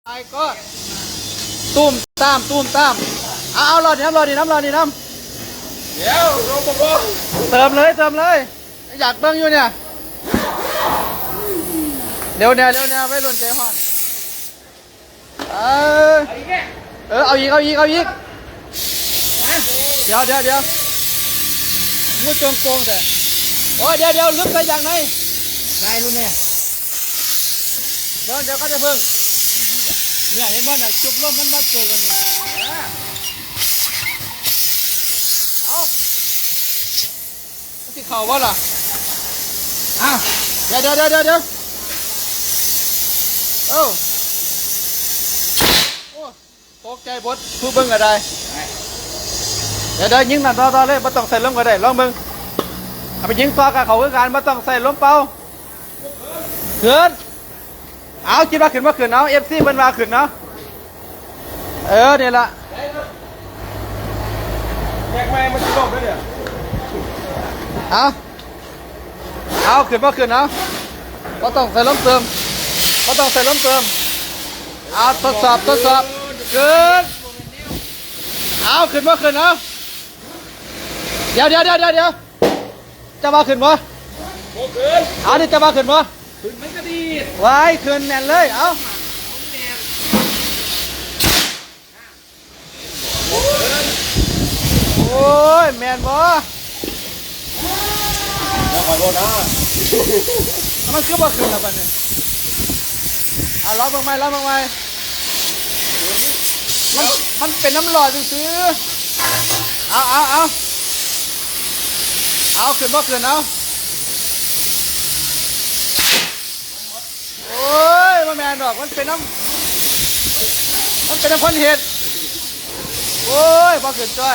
ไอ้ก็ตุ้มตามเอารอดีน้ำเดี๋ยวลงบ่เติมเลยอยากเบิ่งอยู่เนี่ยเดี๋ยวไม่หล่นใจห่อนเอาอีกเดี๋ยวมูดโกงแต่โอ้ยเดี๋ยวลึกไปอย่างไหนรู้เนี่ยเดี๋ยวก็จะเพิ่งเนี่ยเห็นบ้านไหนจุกลมมันมาจุกกันนี่เอาที่เข่าบ่ล่ะเดี๋ยวโอ้ตกใจบดทุบเบิ้งก็ได้เดี๋ยวยิงนั่นต่อเลยไม่ต้องใส่ลมก็ได้ลองเบิ้งเอาไปยิงต่อกับเขาคือการไม่ต้องใส่ลมเป่าขึ้นเอาคิดว่าขึ้นเอาเอฟซีมันมาขึ้นเนาะเนี่ยละแยกแม่มันจะลงด้วยเนี่ยเอาขึ้นเอาก็ต้องใส่ล้มเติมเอาทดสอบขึ้นเอาขึ้นเอาเดี๋ยวจะมาขึ้นบ่เอาดิจะมาขึ้นบ่ขึ้นมันก็ดีไว้ขึ้นแน่นเลยเอาโอ้ยแมนบ่แล้วขอโทษนะมันคือบ่ขึ้นแล้วบัดนี้ล้อเบิ่งใหม่มันเป็นน้ำหลอดซื้อเอาขึ้นบ่ขึ้นเอาโอ้ยมันแมนดอกมันเป็นน้ำพันเห็ดโอ้ยบ่ขึ้นจ้อย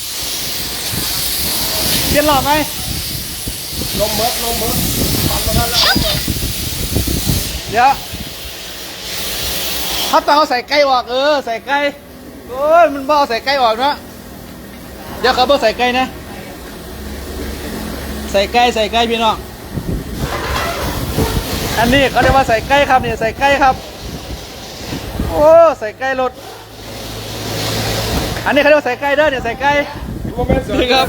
เปลี่ยนหลอดไหมลมเบิดเดี๋ยวถ้าต้องเอาใส่ไก่ออกใส่ไก่โอ้ยมันบ่เอาใส่ไก่ออกนะเดี๋ยวเขาบ่ใส่ไก่นะใส่ไก่พี่น้องอันนี้เขาเรียกว่าใส่ไก่ครับเนี่ยใส่ไก่ครับโอ้ใส่ไก่รถอันนี้เขาเรียกว่าใส่ไก่เด้อเนี่ยใส่ไก่นี่ครับ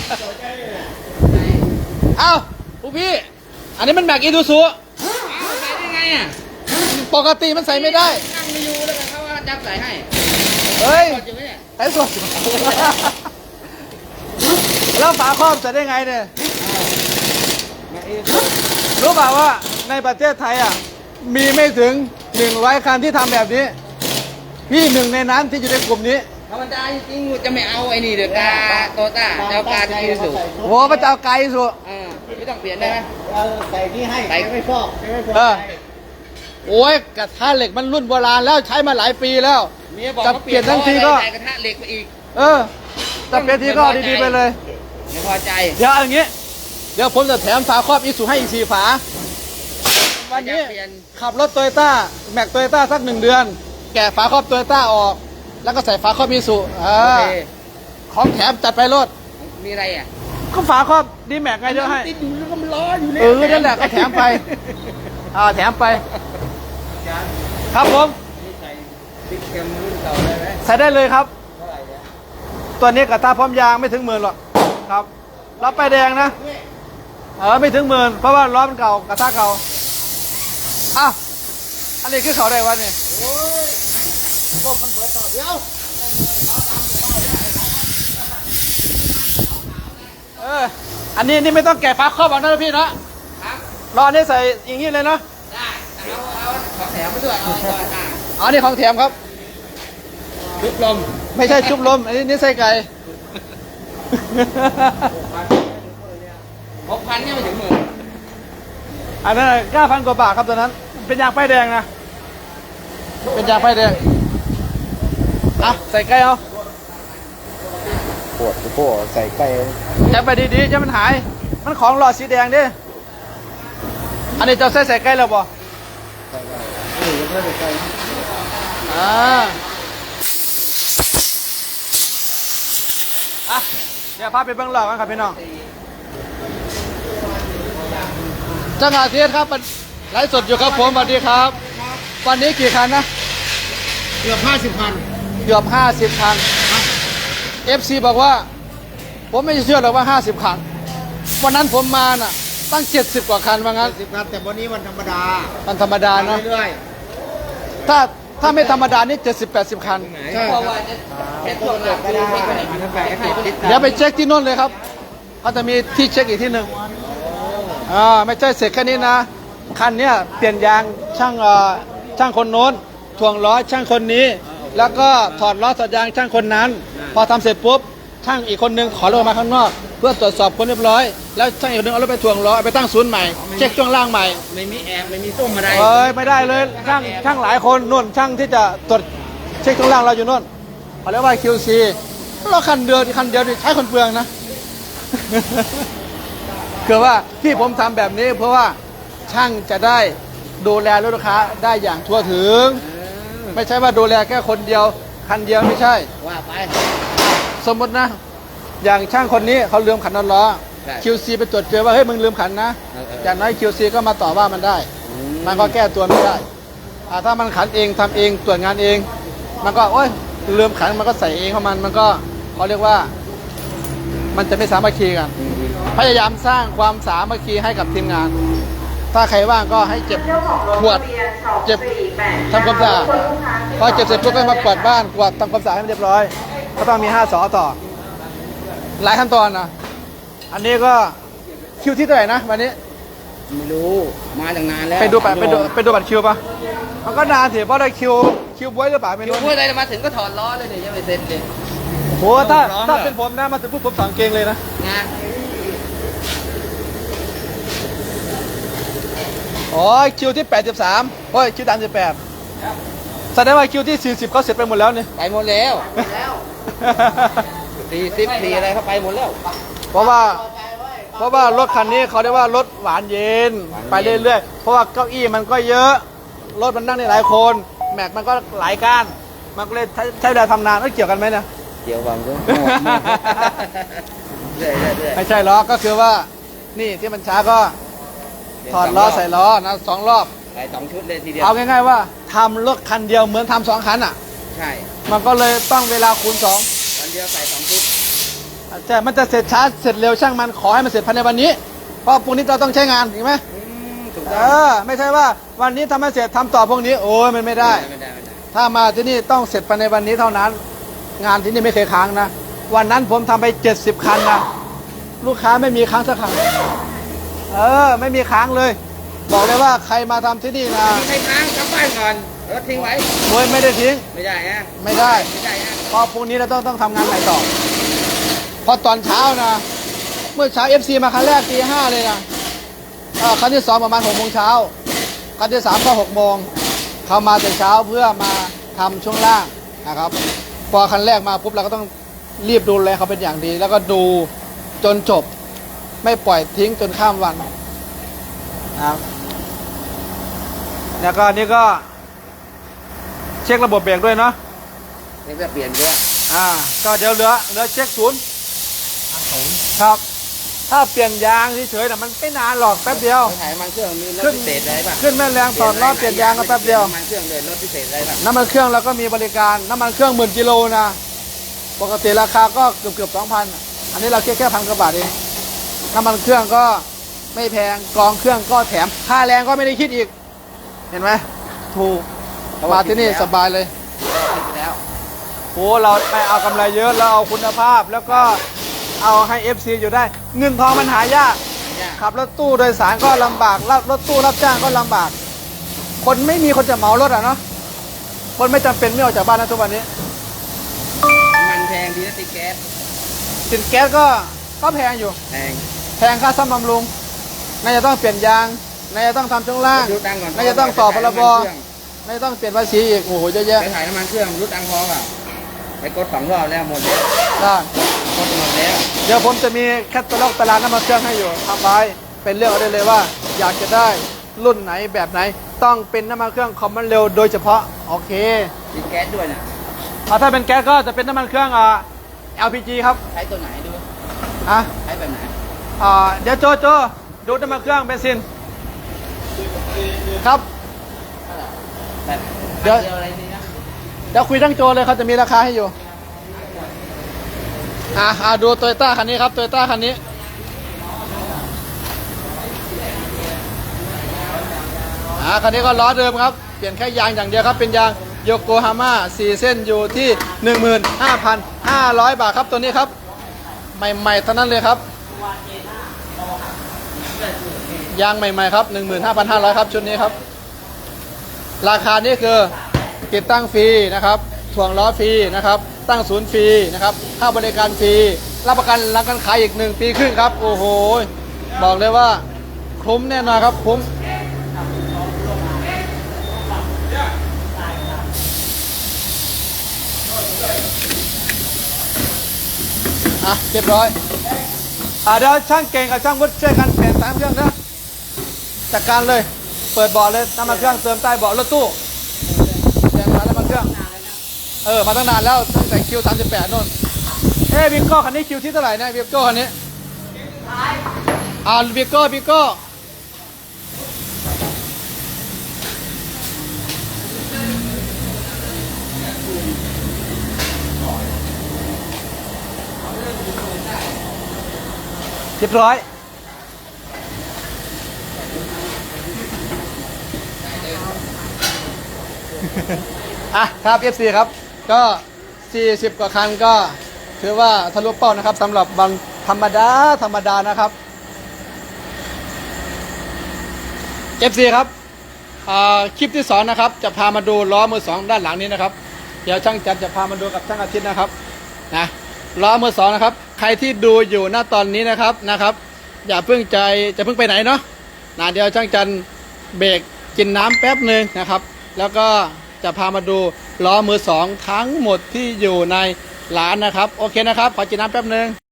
เอ้าผู้พี่อันนี้มันแบกอีทูซูใส่ได้ไงอ่ะปกติมันใส่ไม่ได้นั่งไม่อยู่แล้วกันเขาว่าจับใส่ให้เฮ้ยสดอยู่ไหมเนี่ยใส่สดแล้วฝาครอบใส่ได้ไงเนี่ยรู้เปล่าว่าในประเทศไทยมีไม่ถึง100 คันที่ทำแบบนี้พี่หนึ่งในนั้นที่อยู่ในกลุ่มนี้ธรรมดาจริงๆจะไม่เอาไอ้นี่เดือกาโตต้าจะเอากาที่สุดโอ้พระเจ้าไกลสุดไม่ต้องเปลี่ยนได้ไหมใส่ที่ให้ใส่ไม่ฟอกโอ้ยกระทะเหล็กมันรุ่นโบราณแล้วใช้มาหลายปีแล้วจะเปลี่ยนทั้งทีก็กระทะเหล็กไปอีกจะเปลี่ยนทีก็ดีๆไปเลยไม่พอใจเดี๋ยวอย่างงี้เดี๋ยวผมจะแถมฝาครอบอีซูให้อีก4 ฝาวันนี้ขับรถโตโยต้าแม็กโตโยต้าสัก1 เดือนแกะฝาครอบโตโยต้าออกแล้วก็ใส่ฝาครอบอีซูของแถมจัดไปรถมีอะไรก็ฝาครอบดีแม็กไงเดี๋ยวให้ติดอยู่แล้วก็มันล้ออยู่เนี่ยนั่นแหละก็แถมไปแถมไปครับผมใส่ติ๊กเค็มรุ่นเก่าได้ไหมใส่ได้เลยครับตัวนี้กระทะพร้อมยางไม่ถึง10,000หรอกครับล้อป้ายแดงนะไม่ถึง10,000เพราะว่าล้อมันเก่ากระทะเก่าอันนี้คือเขาได้วันนี้ก็มันเบิดต่อเดียวอันนี้นี่ไม่ต้องแกะฝาครอบเอานะพี่นะรอนี่ใส่อย่างนี้เลยนะได้เอาของแถมไปด้วยเอานี่ของแถมครับชุบลมไม่ใช่ชุบลมอันนี้ใส่ไก่ 6,000เนี่ยไม่ถึง10,000 อันนั้น9,000 กว่าบาทครับตอนนั้นเป็นยางป้ายแดงนะเป็นยางป้ายแดงใส่ไก่เอาปวดใส่ไก่จับไปดีๆจะมันหายมันของหลอดสีแดงดิอันนี้จะใส่ไก่แล้วบ่เดี๋ยวพาไปเบื้องหลังกันครับพี่น้องจังหวะเทียนครับไลฟ์สดอยู่ครับผมสวัสดีครับวันนี้กี่คันนะเกือบ50 คันเกือบ50 คัน FC บอกว่า ผมไม่เชื่อหรอกว่า 50 คัน วันนั้นผมมาน่ะ ตั้ง 70 กว่าคันว่างั้น 70 คันแต่วันนี้วันธรรมดามันธรรมดานะเรื่อยถ้าไม่ธรรมดานี่70-80 คันๆใช่เพราะว่าจะเป็นพวกหลักก็คือได้ไม่ค่อยเดี๋ยวไปเช็คที่โน่นเลยครับเขาจะมีที่เช็คอีกที่หนึ่งไม่ใช่เสร็จแค่นี้นะ คันเนี้ยเปลี่ยนยางช่างคนโน้นถ่วงล้อช่างคนนี้ แล้วก็ถอดล้อถอดยางช่างคนนั้น พอทำเสร็จปุ๊บช่างอีกคนนึงขอรถมาข้างนอก เพื่อตรวจสอบคนเรียบร้อย แล้วช่างอีกคนนึงเอารถไปถ่วงล้อเอาไปตั้งศูนย์ใหม่เช็คช่วงล่างใหม่ไม่มีแอบไม่มีส้มอะไรไม่ได้เลยช่างหลายคนนู่นช่างที่จะตรวจเช็คช่วงล่างเราอยู่นู่นเขาเรียกว่า QC เราคันเดียวนี่ใช้คนเปลืองนะ คือว่าที่ผมทำแบบนี้เพราะว่าช่างจะได้ดูแลลูกค้าได้อย่างทั่วถึง ไม่ใช่ว่าดูแลแค่คนเดียวคันเดียวไม่ใช่ว่าไปสมมตินะ อย่างช่างคนนี้เขาลืมขันน็อตล้อใช่ QC ไปตรวจเจอว่าเฮ้ยมึงลืมขันนะ อย่างน้อย QC ก็มาต่อว่ามันได้ มันก็แก้ตัวไม่ได้ถ้ามันขันเองทำเองตรวจงานเอง มันก็โอ๊ยลืมขันมันก็ใส่เองของมันก็เขาเรียกว่า มันจะไม่สามัคคีกัน พยายามสร้างความสามัคคีให้กับทีมงาน ถ้าใครว่างก็ให้เก็บขวดเก็บทำความสะอาดพอเก็บเสร็จปุ๊บก็มาเปิดบ้านกวาดทำความสะอาดให้มันเรียบร้อย ก็ต้องมี5 สอต่อ หลายขั้นตอนนะอันนี้ก็คิวที่เท่าไหร่นะวันนี้ไม่รู้มาตั้งนานแล้วไปดูบัตรคิวปะมันก็นานสิเพราะได้คิวบวยหรือเปล่าไม่อยู่รู้เมื่อไรมาถึงก็ถอดล้อเลยเนี่ยยังไม่เสร็จเลยโหถ้าเป็นผมนะมาถึงปุ๊บผมสั่งเกงเลยนะนะอ๋อคิวที่83โอ้ยคิว38แสดงว่าคิวที่40เขาเสร็จไปหมดแล้วเนี่ยไปหมดแล้ว40อะไรเข้าไปหมดแล้วเพราะว่ารถคันนี้เขาเรียกว่ารถหวานเย็นไปเรื่อยๆเพราะว่าเก้าอี้มันก็เยอะรถมันนั่งได้หลายคนแม็กมันก็หลายก้านมันก็เลยใช้เวลาทำนานเกี่ยวกันไหมเนี่ยเกี่ยวบังด้วยเรื่อยไม่ใช่ล้อก็คือว่านี่ที่มันช้าก็ถอดล้อใส่ล้อนะ2 รอบไป2 ชุดเลยทีเดียวเอาง่ายๆว่าทำรถคันเดียวเหมือนทำ2 คันอ่ะใช่มันก็เลยต้องเวลาคูณ2 วันเดียวใส่2 ชุดแต่มันจะเสร็จช้าเสร็จเร็วช่างมันขอให้มันเสร็จภายในวันนี้เพราะพรุ่งนี้เราต้องใช้งานถูกไหมถูกต้องไม่ใช่ว่าวันนี้ทำไม่เสร็จทำต่อพรุ่งนี้โอ้ยมันไม่ได้ไม่ได้ถ้ามาที่นี่ต้องเสร็จภายในวันนี้เท่านั้น งานที่นี่ไม่เคยค้างนะวันนั้นผมทำไป70 คันนะลูกค้าไม่มีค้างสักครั้งไม่มีค้างเลย บอกเลยว่าใครมาทำที่นี่นะมีใครค้างกลับบ้านก่อนรถทิ้งไว้โอ้ยไม่ได้ทิ้งไม่ได้ฮะไม่ได้ไม่ได้ฮะเพราะพรุ่งนี้เราต้องทำงานใหม่ต่อพอตอนเช้านะเมื่อเช้า FC มาครั้งแรกตี 5เลยนะครั้งที่ 2ประมาณ6 โมงเช้าครั้งที่ 3ก็6 โมงเขามาแต่เช้าเพื่อมาทำช่วงล่างนะครับพอคันแรกมาปุ๊บเราก็ต้องรีบดูแลเขาเป็นอย่างดี แล้วก็ดูจนจบไม่ปล่อยทิ้งจนข้ามวันนะครับแล้วก็นี่ก็เช็คระบบเบรกด้วยเนาะนี่จะเปลี่ยนด้วยก็เดี๋ยวเหลือเช็คศูนย์ครับ ถ้าเปลี่ยนยางเฉยๆน่ะมันไม่นานหรอกแป๊บเดียวไปถ่ายน้ำมันเครื่องมีรถพิเศษอะไรป่ะขึ้นแม่แรงต่อรอบเปลี่ยนยางก็แป๊บเดียวน้ำมันเครื่องเลยรถพิเศษอะไรป่ะน้ำมันเครื่องเราก็มีบริการน้ำมันเครื่อง10,000 กิโลนะปกติราคาก็เกือบ 2,000 อันนี้เราแค่1,000 กว่าบาทเองน้ำมันเครื่องก็ไม่แพงกรองเครื่องก็แถมค่าแรงก็ไม่ได้คิดอีก เห็นไหมถูกมาที่นี่สบายเลยแล้วโอ้เราไม่เอากำไรเยอะเราเอาคุณภาพแล้วก็เอาให้ FC อยู่ได้ เงินทองมันหายากขับรถตู้โดยสารก็ลำบากรถตู้รับจ้างก็ลำบาก คนไม่มีคนจะเหมารถอ่ะเนาะคนไม่จำเป็นไม่ออกจากบ้านนะทุกวันนี้มันแพงดีนะติดแก๊สสินแก๊สก็แพงอยู่แพงแพงค่าซ่อมบำรุงน่าจะต้องเปลี่ยนยางน่าจะต้องทำช่วงล่างรุดดังก่อนน่าจะต้องต่อพรบน่าจะต้องเปลี่ยนภาษีอีกโอ้โหเยอะแยะไปถ่ายน้ำมันเครื่องรุดดังพอเปล่าไปกด2 รอบแล้วหมดแล้วได้กดหมดแล้วเดี๋ยวผมจะมีแคตตาล็อกตารางน้ำมันเครื่องให้อยู่ทำไว้เป็นเรื่องเอาได้เลยว่า อยากจะได้รุ่นไหนแบบไหน ต้องเป็นน้ำมันเครื่องคอมมอนเร็วโดยเฉพาะโอเคติดแก๊สด้วยนะถ้าเป็นแก๊สก็จะเป็นน้ำมันเครื่องLPG ครับใช้ตัวไหนดูอ่ะใช้แบบไหนเดี๋ยวโจดูน้ำมันเครื่องเบนซินครับแบบเดี๋ยวอะไรนี่นะเดี๋ยวคุยทั้งโจเลยเขาจะมีราคาให้อยู่ดูโตโยต้าคันนี้ครับโตโยต้าคันนี้คันนี้ก็ล้อเดิมครับเปลี่ยนแค่ยางอย่างเดียวครับเป็นยางโยโกฮาม่า4 เส้นอยู่ที่ 15,500 บาทครับตัวนี้ครับใหม่ๆเท่านั้นเลยครับยางใหม่ๆครับ 15,500 ครับชุดนี้ครับราคานี้คือติดตั้งฟรีนะครับถ่วงล้อฟรีนะครับตั้งศูนย์ฟรีนะครับค่าบริการฟรีรับประกันหลังการขายอีก1 ปีครึ่งครับโอ้โหบอกเลยว่าคุ้มแน่นอนครับคุ้มเรียบร้อยเดี๋ยวช่างเก่งกับช่างวุฒิช่วยกันเปลี่ยน3 เครื่องนะจัดการเลยเปิดเบาะเลยน้ำมันเครื่องเติมใต้เบาะรถตู้เปลี่ยนน้ำมันเครื่องมาตั้งนานแล้วตั้งแต่คิว38นู่นวิโก้คันนี้คิวที่เท่าไหร่เนี่ยวิโก้คันนี้วิโก้เรียบร้อยครับ FC ครับก็40 กว่าคันก็ถือว่าทะลุเป้านะครับสำหรับวันธรรมดานะครับ FC ครับคลิปที่2นะครับจะพามาดูล้อมือ2ด้านหลังนี้นะครับเดี๋ยวช่างจันจะพามาดูกับช่างอาทิตย์นะครับล้อมือ2นะครับใครที่ดูอยู่ณตอนนี้นะครับอย่าเพิ่งไปไหนเนาะเดี๋ยวช่างจันเบรกกินน้ำแป๊บหนึ่งนะครับแล้วก็จะพามาดูล้อมือ2ทั้งหมดที่อยู่ในร้านนะครับโอเคนะครับขอกินน้ำแป๊บหนึ่ง